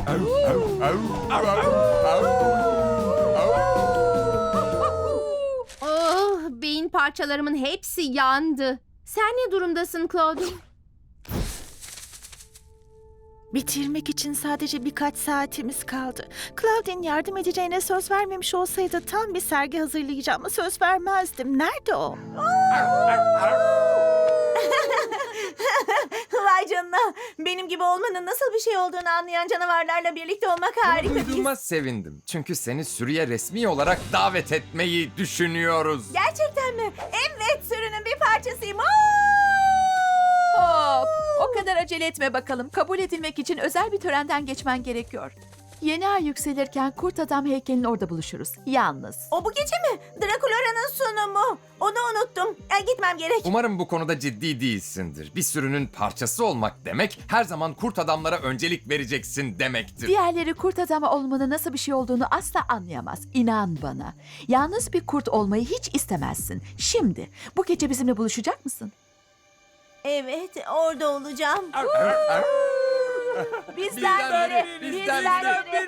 Oh, beyin parçalarımın hepsi yandı. Sen ne durumdasın Claudine? Bitirmek için sadece birkaç saatimiz kaldı. Claudine yardım edeceğine söz vermemiş olsaydı tam bir sergi hazırlayacağıma söz vermezdim. Nerede o? Vay canına. Benim gibi olmanın nasıl bir şey olduğunu anlayan canavarlarla birlikte olmak harika bir his. Duyduğuma sevindim. Çünkü seni sürüye resmi olarak davet etmeyi düşünüyoruz. Gerçekten mi? Evet, sürünün bir parçasıyım. Hop! O kadar acele etme bakalım. Kabul edilmek için özel bir törenden geçmen gerekiyor. Yeni ay yükselirken kurt adam heykelinin orada buluşuruz. Yalnız. O bu gece mi? Drakulara'nın sunumu. Onu unuttum. Gitmem gerek. Umarım bu konuda ciddi değilsindir. Bir sürünün parçası olmak demek, her zaman kurt adamlara öncelik vereceksin demektir. Diğerleri kurt adamı olmanın nasıl bir şey olduğunu asla anlayamaz. İnan bana. Yalnız bir kurt olmayı hiç istemezsin. Şimdi bu gece bizimle buluşacak mısın? Evet, orada olacağım. Bizden biri, bizden biri.